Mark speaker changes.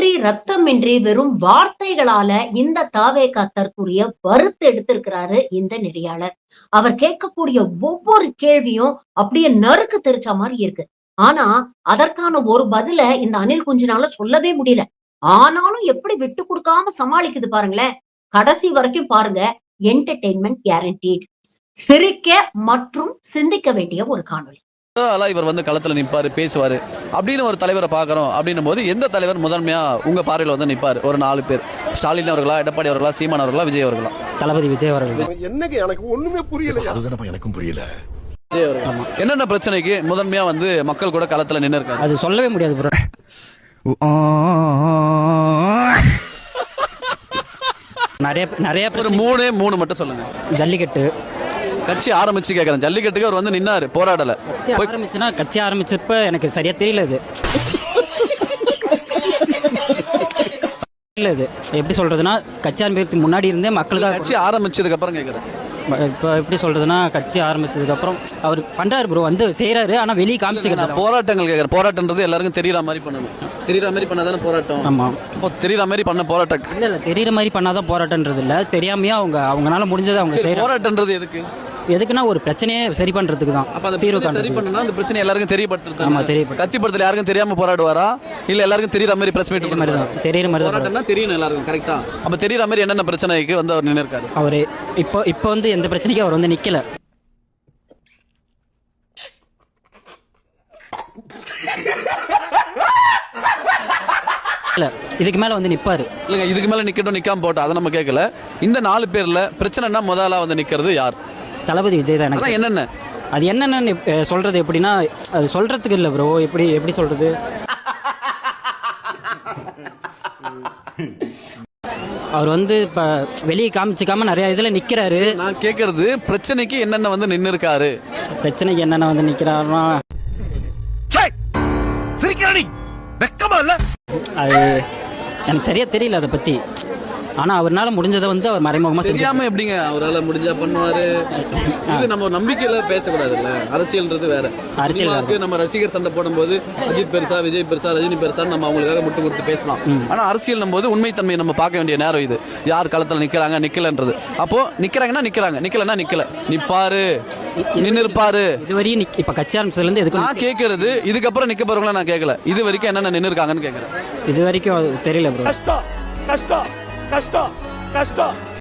Speaker 1: ரத்தமின்றி ரத்தமின்றி வெறும் வார்த்தைகளால இந்த தாவேகா தற்கூறிய வறுத்து எடுத்திருக்கிறாரு இந்த நெறியாளர். அவர் கேட்கக்கூடிய ஒவ்வொரு கேள்வியும் அப்படியே நறுக்கு தெரிச்ச மாதிரி இருக்கு. ஆனா அதற்கான ஒரு பதில இந்த அணில் குஞ்சினால சொல்லவே முடியல. ஆனாலும் எப்படி விட்டு கொடுக்காம சமாளிக்குது பாருங்களேன். கடைசி வரைக்கும் பாருங்க. Entertainment guaranteed. சிரிக்க மற்றும் சிந்திக்க வேண்டிய ஒரு காணொளி.
Speaker 2: இவர் வந்து களத்துல நிப்பாரு, பேசுவாரு அப்படின்னு ஒரு தலைவரை பாக்குறோம். அப்படின்னும் போது எந்த தலைவர் முதன்மையா உங்க பார்வையில் வந்து நிப்பாரு? ஒரு 4 பேர். ஸ்டாலின் அவர்களா, எடப்பாடி அவர்களா, சீமான் அவர்களா, விஜய் அவர்களா?
Speaker 3: தளபதி விஜய் அவர்கள்.
Speaker 4: என்னங்க எனக்கு ஒண்ணுமே புரியல. அதுதான் எனக்கும் புரியல.
Speaker 2: விஜய் அவர்கள். என்னென்ன பிரச்சனைக்கு முதன்மையா வந்து மக்கள் கூட களத்துல நின்று இருக்காங்க?
Speaker 3: அது சொல்லவே முடியாது ப்ரோ. நிறைய
Speaker 2: ஒரு மூணு மட்டும் சொல்லுங்க.
Speaker 3: ஜல்லிக்கட்டு
Speaker 2: கட்சி ஆரம்பிச்சு கேட்கறேன். ஜல்லிக்கட்டுக்கு அவர் வந்து நின்னாரு, போராடல.
Speaker 3: கட்சி ஆரம்பிச்சப்ப எனக்கு சரியா தெரியல. இது எப்படி சொல்றதுன்னா, கட்சி ஆரம்பிக்கிறதுக்கு முன்னாடி இருந்தே மக்களுக்கு
Speaker 2: கட்சி ஆரம்பிச்சதுக்கு அப்புறம் கேட்கறேன்.
Speaker 3: இப்போ எப்படி சொல்றதுன்னா, கட்சி ஆரம்பிச்சதுக்கு அப்புறம் அவர் பண்றாரு ப்ரோ, வந்து செய்யறாரு. ஆனா வெளியே காமிச்சுக்கிறாரு.
Speaker 2: போராட்டங்கள் கேட்கறேன். போராட்டம்ன்றது எல்லாருக்கும் தெரியற மாதிரி பண்ணணும். தெரியற மாதிரி பண்ணாதானே போராட்டம்.
Speaker 3: ஆமா,
Speaker 2: இப்போ தெரியற மாதிரி பண்ண போராட்டம்
Speaker 3: இல்ல தெரியற மாதிரி பண்ணாதான் போராட்டம்ன்றது இல்ல. தெரியாமையா அவங்கனால முடிஞ்சதை அவங்க செய்யறாங்க.
Speaker 2: போராட்டம்ன்றது எதுக்குன்னா
Speaker 3: ஒரு பிரச்சனையை சரி பண்றதுக்கு தான்.
Speaker 2: அப்ப அந்த தீர்வு சரி பண்ணனும். அந்த பிரச்சனை எல்லாருக்கும் தெரியப்படுத்துறது.
Speaker 3: ஆமா, தெரியப்படுத்து.
Speaker 2: கத்திப்படுத்தல யாருக்கும் தெரியாம போராடுவாரா, இல்ல எல்லாருக்கும் தெரியற மாதிரி பிரஸ் மீட்
Speaker 3: மாதிரி தான். தெரியற மாதிரி தான்
Speaker 2: போராட்டம்னா தெரியணும் எல்லாருக்கும். கரெக்ட்டா? அப்ப தெரியற மாதிரி என்னென்ன பிரச்சனைக்கு வந்து அவர் நின்னு இருக்காரு?
Speaker 3: அவர் இப்போ வந்து எந்த பிரச்சனைக்கும் அவர் வந்து நிக்கல. இதுக்கு மேல வந்து நிப்பாரு.
Speaker 2: இல்லங்க, இதுக்கு மேல நிக்கட்டும், நிக்காம போட்டோம், அதை நம்ம கேட்கல. இந்த 4 பேர்ல பிரச்சனைனா முதல்ல வந்து நிக்கிறது யார்?
Speaker 3: தளபதி விஜய் தான். எனக்கு
Speaker 2: என்னென்ன
Speaker 3: அது என்னென்னு சொல்றது எப்படின்னா, அது சொல்றதுக்கு இல்லை ப்ரோ. எப்படி சொல்றது, அவர் வந்து இப்ப வெளியே காமிச்சிக்காம நிறைய இதுல நிக்கிறாரு.
Speaker 2: நான் கேட்கறது பிரச்சனைக்கு என்னென்ன வந்து நின்னு இருக்காரு.
Speaker 3: பிரச்சனைக்கு என்னென்ன வந்து நிக்கிறாருன்னா, அது எனக்கு சரியா தெரியல அதை பத்தி. ஆனா அவர்னால முடிஞ்சதை வந்து அவர் மறைமுகமா
Speaker 2: தெரியாம எப்படிங்க அவரால் முடிஞ்சா பண்ணுவாரு? இது நம்ம நம்பிக்கையில பேசக்கூடாதுல்ல. அரசியல்ன்றது வேற. அரசியலுக்கு நம்ம ரசிகர் சண்டை போடும்போது அஜித் பெருசா, விஜய் பெருசா, ரஜினி பெருசா நம்ம அவங்களுக்காக முட்டு கொடுத்து பேசலாம். ஆனா அரசியல் போது உண்மைத்தன்மையை நம்ம பார்க்க வேண்டிய நேரம் இது. யார் களத்துல நிக்கிறாங்க, நிக்கலன்றது. அப்போ நிக்கிறாங்கன்னா நிக்கிறாங்க, நிக்கலன்னா நிக்கல. நிப்பாரு, நின்னு இருப்பாரு.
Speaker 3: இதுவரையும் இப்ப கட்சி ஆரம்பிச்சதுல இருந்து எதுக்கு
Speaker 2: நான் கேட்கறது, இதுக்கப்புறம் நிக்க போறவங்களா நான் கேட்கல. இது வரைக்கும் என்னென்ன நின்று இருக்காங்கன்னு கேட்கறேன்.
Speaker 3: இது வரைக்கும் தெரியல ப்ரோ.
Speaker 4: கஷ்டம் கஷ்டம் கஷ்டம் கஷ்டம்